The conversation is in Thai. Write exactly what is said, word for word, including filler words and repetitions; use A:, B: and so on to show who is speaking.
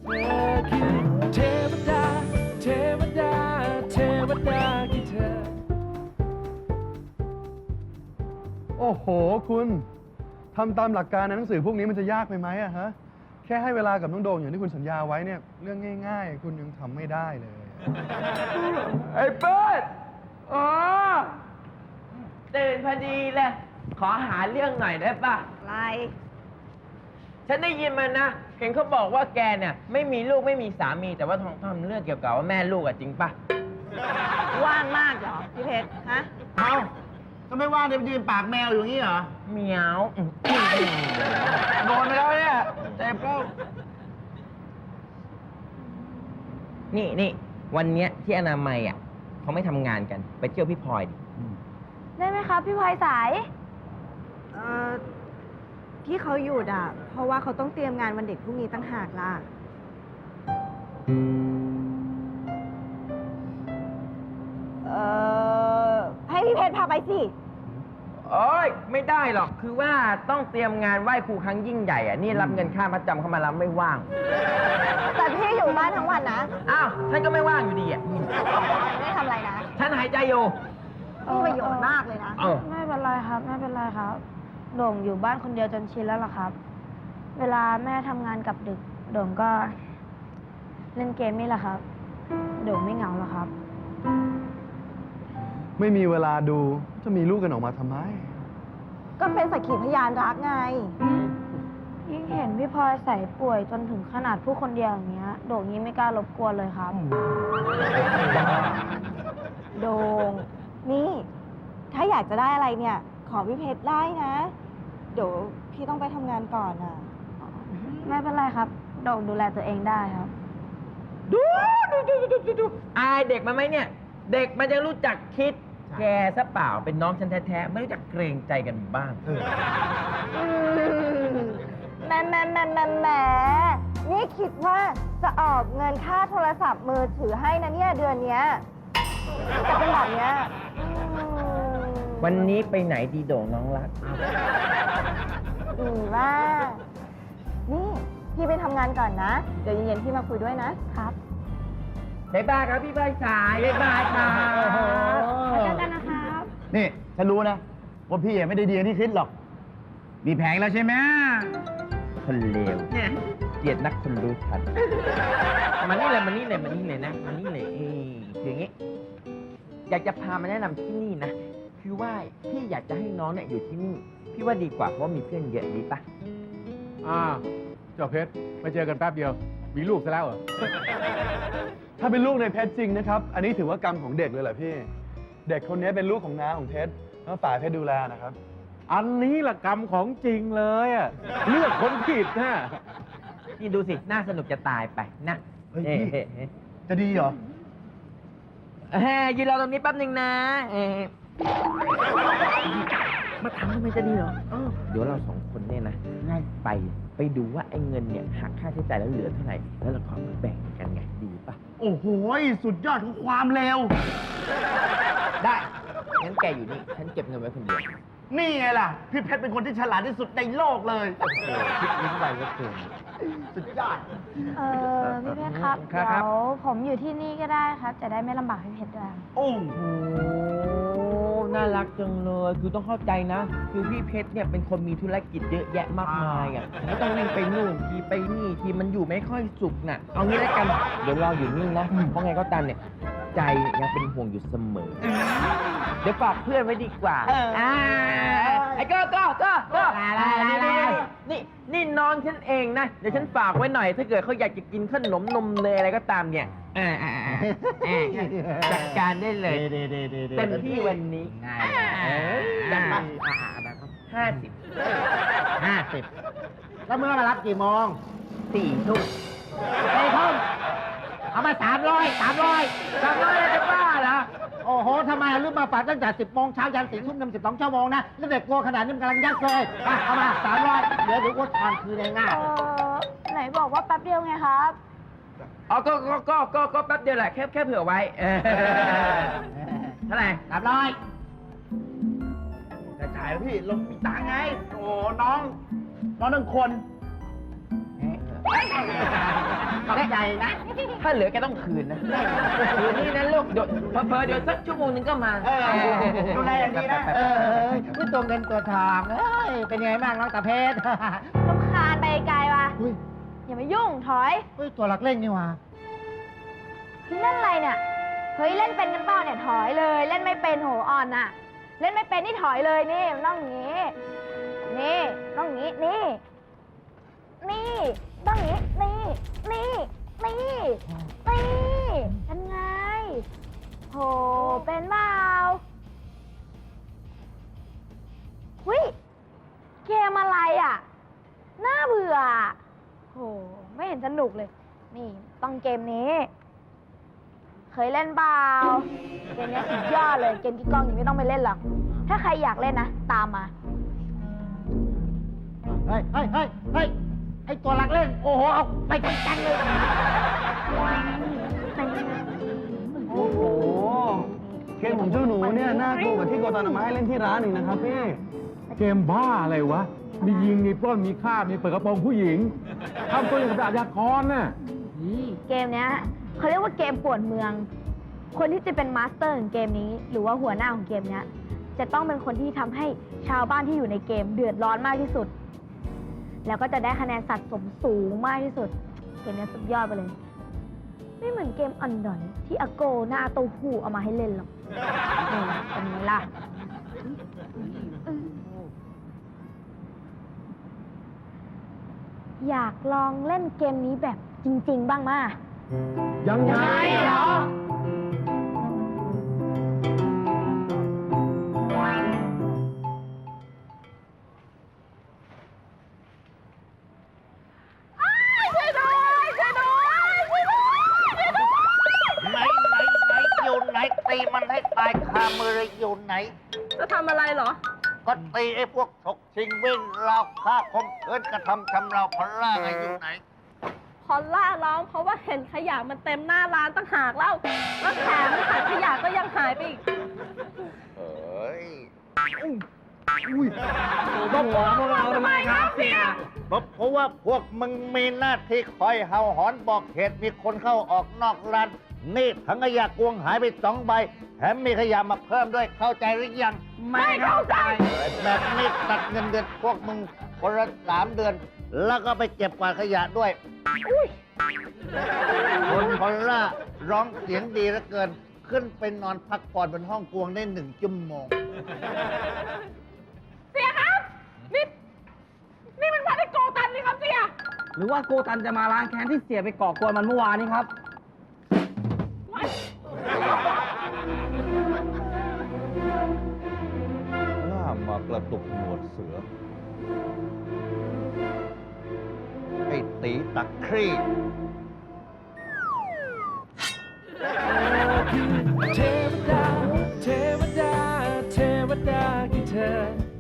A: เธอคือเทวดาเทวดาเทวดาคือเธอ
B: โอ้โหคุณทำตามหลักการในหนังสือพวกนี้มันจะยากไปไหมอะฮะแค่ให้เวลากับน้องโดงอย่างที่คุณสัญญาไว้เนี่ยเรื่องง่ายๆ คุณยังทำไม่ได้เลย
C: ไอ้เปิ้ลอ๋อตื่นพอดีเลย ขอหาเรื่องหน่อยได้ป่ะ
D: อะไร
C: ฉันได้ยินมานะ เห็นเขาบอกว่าแกเนี่ยไม่มีลูกไม่มีสามี แต่ว่าทองทำเรื่องเกี่ยวกับว่าแม่ลูกอะจริงป่ะ
D: ว่างมากเหรอ พี่เพชร ฮะ
E: เอาก็ไม่ว่างเดี๋ยวยืนปากแมวอยู่งี้เหรอ
C: เหมียวอื้อ
E: โดนไปแล้วเนี่ยเจ็บแล้ว
C: นี่นี่วันเนี้ยที่อนามัยอ่ะเขาไม่ทำงานกัน ไปเที่ยวพี่พลอยดิ
F: ได้ไหมครับพี่พลอยสาย
D: เอ่อ ที่เขาหยุดอ่ะ เพราะว่าเขาต้องเตรียมงานวันเด็กพรุ่งนี้ตั้งหากล่ะ เอ่อ ให้พี่เพชรพาไปสิ
C: โอ้ยไม่ได้หรอก คือว่าต้องเตรียมงานไหว้ครูครั้งยิ่งใหญ่อ่ะ นี่รับเงินค่ามัดจำเข้ามาแล้วไม่ว่าง
D: แต่พี่อยู่บ้านทั้งวันนะ
C: อ้าวฉันก็ไม่ว่างอยู่ดีอ่ะ
D: ไม่ได้ทำอะไรนะ
C: ฉันหายใจอยู่
D: มีประโยชน์มากเลยนะ
C: เออ
F: ไม่เป็นไรครับ ไม่เป็นไรครับ โด่งอยู่บ้านคนเดียวจนชินแล้วล่ะครับ เวลาแม่ทำงานกลับดึก โด่งก็ เล่นเกมนี่แหละครับ โด่งไม่เหงาหรอกครับ
B: ไม่มีเวลาดูจะมีลูกกันออกมาทำไม
D: ก็เป็นสักขีพยานรักไง
F: ยิ่งเห็นพี่พลอยใส่ป่วยจนถึงขนาดผู้คนเดียวอย่างเงี้ย โด่งยิ่งไม่กล้ารบกวนเลยครับ
D: โดง นี่ ถ้าอยากจะได้อะไรเนี่ย ขอพี่เพชรได้นะ เดี๋ยวพี่ต้องไปทำงานก่อนอ่ะ
F: ไม่เป็นไรครับ โด่งดูแลตัวเองได้ครับ
C: ดูดูดูดูดูดูอายเด็กมาไหมเนี่ย เด็กมันจะรู้จักคิด แกซะเปล่าเป็นน้องฉันแท้ๆไม่รู้จักเกรงใจกันบ้าง
D: แหม่แหม่แหม่แหม่แหม่นี่คิดว่าจะออกเงินค่าโทรศัพท์มือถือให้นะเนี่ยเดือนเนี้ยแต่เป็นแบบเนี้ยอืม
C: วันนี้ไปไหนดีโด่งน้องรัก
D: อืมว่า นี่พี่ไปทำงานก่อนนะ เดี๋ยวเย็นๆพี่มาคุยด้วยนะครับ
C: บ๊ายบายครับพี่ใบสายบ๊ายบายครับ
F: ไปเจอกันนะครับ
E: นี่ฉันรู้นะว่าพี่ไม่ได้ดีอย่างที่คิดหรอก มีแผงแล้วใช่ไหม
C: คนเลวเกลียดนักคนรู้ทันมานี่เลยมานี่เลยมานี่เลยนะมานี่เลยเอ้ยคืออย่างงี้ อยากจะพามาแนะนำที่นี่นะ คือว่าพี่อยากจะให้น้องเนี่ยอยู่ที่นี่ พี่ว่าดีกว่าเพราะว่ามีเพื่อนเยอะดีปะ
G: อ่าเจ้าเพชรมาเจอกันแป๊บเดียว มีลูกซะแล้วเหรอ
B: ถ้าเป็นลูกในเพชรจริงนะครับ อันนี้ถือว่ากรรมของเด็กเลยแหละพี่ เด็กคนนี้เป็นลูกของน้าของเพชรแล้วฝ่ายเพชรดูแลนะครับ
G: อันนี้ละกรรมของจริงเลยอะเลือกคนผิดนะ
C: นี่ดูสิน่าสนุกจะตายไปนะ
E: เฮ้ย
C: เอ้
E: พี่
C: เอ้เอ้
E: จะดีเหรอ
C: เอ้ยยืนรอตรงนี้แป๊บหนึ่งนะเอ้มาทำทำไมจะดีเหรอเออเดี๋ยวเราสองคนเนี่ยนะไปไปดูว่าไอ้เงินเนี่ยหักค่าใช้จ่ายแล้วเหลือเท่าไหร่แล้วเราก็เอามาแบ่งกันไงดีปะ
E: โอ้โห สุดยอดของความเร็ว
C: ได้งั้นแกอยู่นี่ฉันเก็บเงินไว้คนเดียว
E: นี่ไงล่ะ พี่เพชรเป็นคนที่ฉลาดที่สุดในโลกเลย
C: โอ้โหคิดลิ้นไวเหลือเกิน
E: สุดยอด
F: เออพี่เพชรครับ
C: ครั
F: เดี๋
C: บ
F: ยวผมอยู่ที่นี่ก็ได้ครับ จะได้ไม่ลำบากพี่เพชรด้วย
E: โอ้
C: โอ้น่ารักจังเลย คือต้องเข้าใจนะ คือพี่เพชรเนี่ยเป็นคนมีธุรกิจเยอะแยะมากมายอ่ะไม่ต้องวิ่งไปนู่นทีไปนี่ทีมันอยู่ไม่ค่อยสุขน่ะ เอางี้แล้วกัน เดี๋ยวรออยู่นี่นะ เพราะไงก็ตามเนี่ย ใจยังเป็นห่วงอยู่เสมอ เดี๋ยวฝากเพื่อนไว้ดีกว่าอ่าไอ้ก็ก็ก็ก็นี่นี่น้องฉันเองนะ เดี๋ยวฉันฝากไว้หน่อย ถ้าเกิดเขาอยากจะกินขนมนมเนยอะไรก็ตามเนี่ยอ่าอ่าอ่าอ่าจัดการได้เลย เต็มที่วันนี้ง่ายจัดไปห้าสิบ
E: ห้าสิบแล้วเมื่อมารับกี่โมง
C: สี่ทุ่ม
E: ไอ้ทุ่มเอามาสามร้อยสามร้อย
C: จำได้จะบ้าเหรอ
E: โอ้โห ทำไมลืมมาฝากตั้งแต่สิบโมงเช้ายันสี่ทุ่มนำสิบสองชั่วโมงนะ แล้วเด็กกลัวขนาดนี้มันกำลังยักเลยอ่ะเอามาสามร้อยเดี๋ยวเดี๋ยวกูทานคืนง่าย
F: เออไหนบอกว่าแป๊บเดียวไงครับ
C: อ๋อก็ก็ก็ก็ก็แป๊บเดียวแหละ แค่แค่เผื่อไว้เออเท่าไหร่
E: สามร้อยจะจ่ายพี่ลงมีตังค์ไง โอ้น้อง น้องหนึ่งคน
C: เล่น
E: ใจนะ
C: ถ้าเหลือแกต้องคืนนะคืนนี่นะลูกเดี๋ยวเพอๆเดี๋ยวสักชั่วโมงนึงก็มา
E: เออดูแลอย่างดีนะ เออนี่ตัวเงินตัวทองเอ้ย เป็นไงบ้างน้องตาเพชร
F: รำคาญไปไกลว่ะ
E: อุ้ย
F: อย่ามายุ่ง ถอย
E: เฮ้ย ตัวหลักเล่งนี่หว่า
F: เฮ้ยนั่นอะไรเนี่ย เฮ้ย เล่นเป็นกันเปล่าเนี่ย ถอยเลย เล่นไม่เป็นโหอ่อนน่ะ เล่นไม่เป็นนี่ถอยเลยนี่มันต้องอย่างงี้ นี่ต้องอย่างงี้ นี่ นี่ต้องอย่างงี้ นี่ นี่ นี่ นี่เป็นไง โห เป็นเปล่าหุ้ย เกมอะไรอ่ะ น่าเบื่ออะโห ไม่เห็นสนุกเลย นี่ต้องเกมนี้ เคยเล่นเปล่า เกมนี้สุดยอดเลย เกมที่กล้องยังไม่ต้องไปเล่นหรอก ถ้าใครอยากเล่นนะ ตามมา
E: เฮ้ยเฮ้ยเฮ้ยเฮ้ย ไอตัวหลักเล่น โอ้โห เอาไปจังๆเลย
B: โอ้โห เกมของเจ้าหนูเนี่ยน่ากลัวกว่าที่โกตันเอามาให้เล่นที่ร้านอีกนะครับพี่
G: เกมบ้าอะไรวะ มียิง มีปล้น มีฆ่า มีเปิดกระโปรงผู้หญิงทำตัวอย่างกับอาชญากรน่ะ
F: เกมเนี้ยเขาเรียกว่าเกมป่วนเมือง คนที่จะเป็นมาสเตอร์ของเกมนี้ หรือว่าหัวหน้าของเกมเนี้ย จะต้องเป็นคนที่ทำให้ชาวบ้านที่อยู่ในเกมเดือดร้อนมากที่สุด แล้วก็จะได้คะแนนสะสมสูงมากที่สุด เกมนี้สุดยอดไปเลย ไม่เหมือนเกมอันดอนที่อาโกหน้าเต้าหู้เอามาให้เล่นหรอกนี่เป็นไงล่ะ อยากลองเล่นเกมนี้แบบจริง ๆ บ้างมา
G: ยังไงเหรอ
E: ไหนไหนไหนอยู่ไหนตีมันให้ตายคามือเลยอยู่ไหน
H: จะทำอะไรเหรอ
E: ก็ตีไอ้พวกฉกชิงวิ่งราวฆ่าคมเคินกระทำชำเราพลล่าไงอยู่ไหน
H: พอลล่าร้องเพราะว่าเห็นขยะมันเต็มหน้าร้านตั้งหากแล้ว แล้วแถมถังขยะก็ยังหายไปอีก
E: เอ้ย
C: ต้องหวพวกเราทำไมครับเสีย
E: เพราะเพราะว่าพวกมึงมีหน้าที่คอยเห่าหอนบอกเหตุมีคนเข้าออกนอกร้าน นี่ถังขยะกวงหายไปสองใบ แถมมีขยะมาเพิ่มด้วยเข้าใจหรือยัง
C: ไม่เข้าใจ
E: แบบนี้ตัดเงินเดือนพวกมึงคนละสามเดือน แล้วก็ไปเก็บกวาดขยะด้วยคนพอลล่าร้องเสียงดีเหลือเกิน ขึ้นไปนอนพักผ่อนบนห้องกวงได้หนึ่งชั่วโมง
H: เสียครับ นี่ นี่มันพัดไอโกตันนี่ครับเสีย
C: หรือว่าโกตันจะมาล้างแค้นที่เสียไปก่อกวนมันเมื่อวานนี้ครับ
E: ล่ามากระตุกหนวดเสือ ไอ้ตีตะครี่